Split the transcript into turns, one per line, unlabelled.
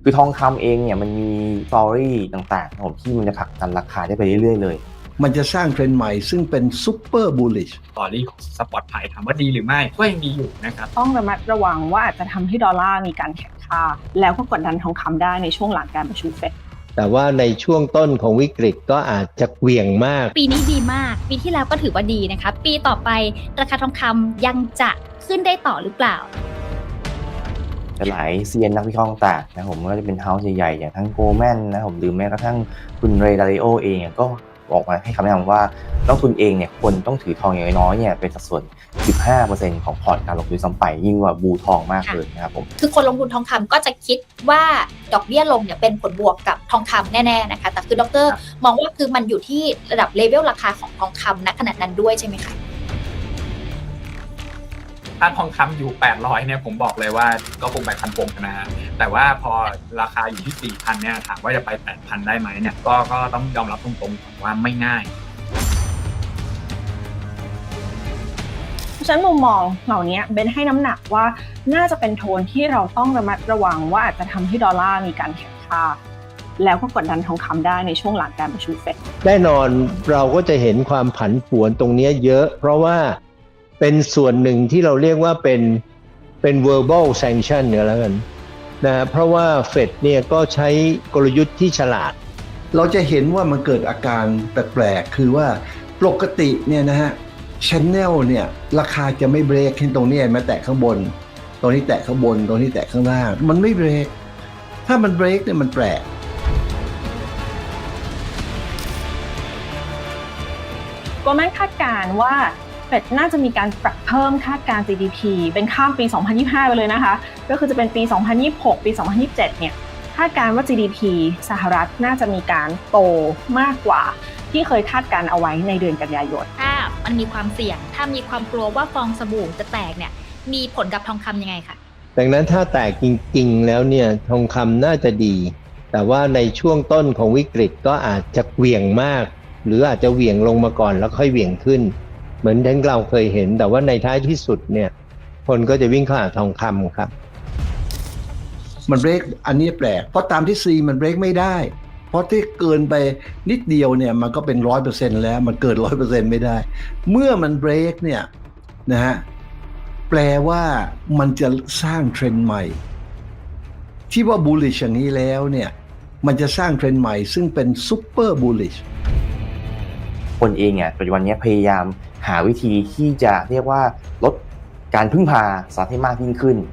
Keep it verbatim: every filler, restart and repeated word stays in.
คือทองคำเองเนี่ยมันมีสตอรี่ต่างๆผมที่มันจะผลักดันราคาได้ไปเรื่อยๆเลย
มันจะสร้างเทรนด์ใหม่ซึ่งเป็นซูเปอร์บูลลิช
สตอรี่ของสปอตไพถามว่าดีหรือไม่ก็ยังดีอยู่นะครับ
ต้องระมัดระวังว่าอาจจะทำให้ดอลลาร์มีการแข็งค่าแล้วก็กดดันทองคำได้ในช่วงหลังการประชุมเฟด
แต่ว่าในช่วงต้นของวิกฤตก็อาจจะเหวี่ยงมาก
ปีนี้ดีมากปีที่แล้วก็ถือว่าดีนะคะปีต่อไปราคาทองคำยังจะขึ้นได้ต่อหรือเปล่า
หลายเซียนนักวิเคราะห์ต่างๆนะผมก็จะเป็นเฮ้าส์ใหญ่ๆอย่างทั้งโกลแมนนะผมหรือแม้กระทั่งคุณเรย์ดาริโอเองก็บอกมาให้คำแนะนำว่านักทุนเองเนี่ยควรต้องถือทองอย่างน้อยๆเนี่ยเป็นสัดส่วน สิบห้าเปอร์เซ็นต์ ของพอร์ตการลงทุนซ้ำไปยิ่งกว่าบูทองมากเลยนะครับผม
คือคนลงทุนทองคำก็จะคิดว่าดอกเบี้ยลงเนี่ยเป็นผลบวกกับทองคำแน่ๆนะคะแต่คือดร.มองว่าคือมันอยู่ที่ระดับเลเวลราคาของทองคำณขณะนั้นด้วยใช่ไหมคะ
ถ้าทองคำอยู่แปดร้อยเนี่ยผมบอกเลยว่าก็คงไปพันปงนะแต่ว่าพอราคาอยู่ที่ สี่พัน เนี่ยถามว่าจะไป แปดพัน ได้ไหมเนี่ยก็ก็ต้องยอมรับตรงๆว่าไม่ง่าย
เพราะฉะนั้นมุมมองเหล่านี้เบนให้น้ำหนักว่าน่าจะเป็นโทนที่เราต้องระมัดระวังว่าอาจจะทำให้ดอลลาร์มีการแข็งค่าแล้วก็กดดันทองคำได้ในช่วงหลังการประชุมเฟด
แน่นอนเราก็จะเห็นความผันผวนตรงนี้เยอะเพราะว่าเป็นส่วนหนึ่งที่เราเรียกว่าเป็นเป็น verbal sanction เนี่ยแล้วกันนะเพราะว่าเฟดเนี่ยก็ใช้กลยุทธ์ที่ฉลาด
เราจะเห็นว่ามันเกิดอาการแปลกๆคือว่าปกติเนี่ยนะฮะ channel เนี่ยราคาจะไม่เบรกขึ้นตรงนี้มาแตะข้างบนตรงนี้แตะข้างบนตรงนี้แตะข้างล่างมันไม่เบรกถ้ามันเบรกเนี่ยมันแปลก
ก็แม่คาดการณ์ว่าเฟดน่าจะมีการปรับเพิ่มคาดการณ์ จี ดี พี เป็นข้ามปี สองพันยี่สิบห้า ไปเลยนะคะก็คือจะเป็นปี สองพันยี่สิบหก ปี สองพันยี่สิบเจ็ด เนี่ยคาดการณ์ว่า จี ดี พี สหรัฐน่าจะมีการโตมากกว่าที่เคยคาดการณ์เอาไว้ในเดือนกันยายน
ถ้ามันมีความเสี่ยงถ้ามีความกลัวว่าฟองสบู่จะแตกเนี่ยมีผลกับทองคำยังไงคะ
ดังนั้นถ้าแตกจริงๆแล้วเนี่ยทองคำน่าจะดีแต่ว่าในช่วงต้นของวิกฤตก็อาจจะเหวี่ยงมากหรืออาจจะเหวี่ยงลงมาก่อนแล้วค่อยเหวี่ยงขึ้นเหมือนที่เราเคยเห็นแต่ว่าในท้ายที่สุดเนี่ยคนก็จะวิ่งเข้าหาทองคำครับ
มันเบรกอันนี้แปลกเพราะตามที่ซีมันเบรกไม่ได้เพราะที่เกินไปนิดเดียวเนี่ยมันก็เป็น ร้อยเปอร์เซ็นต์ แล้วมันเกิน ร้อยเปอร์เซ็นต์ ไม่ได้เมื่อมันเบรกเนี่ยนะฮะแปลว่ามันจะสร้างเทรนด์ใหม่ที่ว่า bullish อย่างนี้แล้วเนี่ยมันจะสร้างเทรนด์ใหม่ซึ่งเป็น super bullish
คนเองเนี่ยปัจจุบันนี้พยายามหาวิธีที่จะเรียกว่าลดการพึ่งพาสหรัฐให้มากยิ่งขึ้น